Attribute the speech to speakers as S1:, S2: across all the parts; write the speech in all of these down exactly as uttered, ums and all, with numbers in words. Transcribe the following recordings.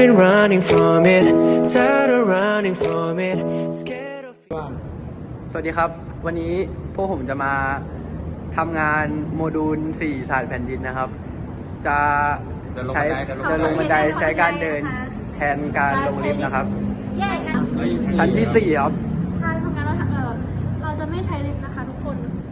S1: Tired of running from it Tired of running from it Scared of
S2: สวัสดีครับวันนี้พวกผมจะมาทำงานโมดูลสี่ศาสตร์แผ่นดินนะครับจะใช้เดินลงบันไดใช้การเดินแทนการลงลิฟต์นะครับ
S3: แยกกัน
S2: ชั้นที่สี่ครับ
S3: ใช่ทำงานเราเออเราจะไม่ใช้ลิฟต์นะคะทุกคน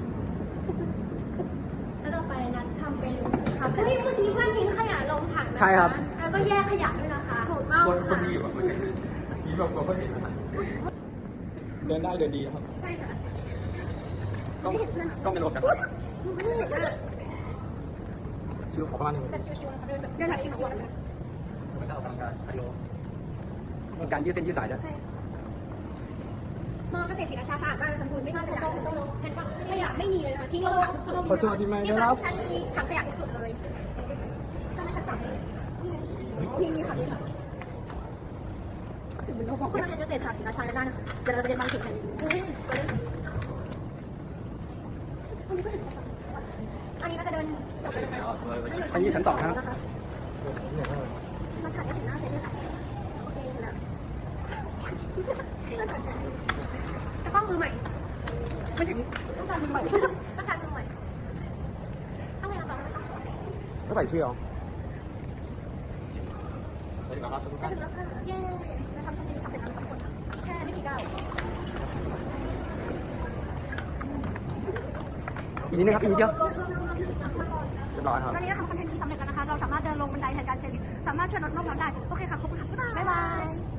S3: แล้วต่อไปนัดทำเป็นทำเฮ้ยเมื่อกี้เพื่อนทิ้งขยะลงถังนะคะ
S2: ใช่ครับ
S3: แล้วก็แยกขยะด้วยนะคะถูกต้อง
S4: คนคน
S3: ค่ะ
S4: ดีแบบทีแบบเราก็เห็นนะเดินได้เดินดีครับ
S3: ใช่ค่ะ
S4: ต้องต้องเป็นระบบการ
S3: ไม่เห็นอะ
S4: ชื่อขอประมาณนึง
S3: แบบชิวๆนะคะเดินแบบเดินแบบชิวๆนะคะ
S4: ไม่ได้ออกกำลังกายคาร์ดิโอ
S2: มีการยืดเส้นยืดสายด้วย
S3: ใช่มอเกษตรศรีราชาสะอาดมากเลยค่ะคุณไม่มีขยะเลยเห็นปะขยะไม่มีเลยนะคะทิ้งลงถังทุกจุด
S4: ขอโทษที่ไม่ได้
S3: นี่
S4: รั
S3: ค่ะ
S4: บ
S3: ชั้นมีถังขยะทุกจุดเลยก็ไม่ชั้นสามเลยนี่นี่ค่ะนี่ค่ะถึงเป็นโรงคนเกษตรศาสตร์ศรีราชาได้นะคะเดี๋ยวเราไปเรียนบางสิ่งกันอันนี้เราจะเดินจบไปเลย
S2: ชั้นยี่ชั้นสองครับ
S3: มาถ่ายให้เห็นหน้าเสร็จเลยค่ะโอเคแล้วจะต้องมือใหม่ไม่ถึงต้องการมือใหม่ต้องการมือใหม่ต้องไงเราต้องไม่ต้อง
S4: ก็ใส่ชื่อเอาสวัสดีครับทุก
S3: จะ
S4: ท่าน
S3: ถึงแล้วค่ะเย้จะทำทันทีสำเร็จแล้วทุกคนแค่ไม่กี่ก้าว
S2: อีกนิดนึงครับอีกนิดเดียว
S4: เรียบร้อยครับ
S3: ตอนนี้เราทำคอนเทนต์นี้สำเร็จแล้วนะคะเราสามารถเดินลงบันไดแทนการใช้ลิฟต์สามารถช่วยลดโลกร้อนได้โอเคค่ะขอบคุณค่ะบ๊ายบาย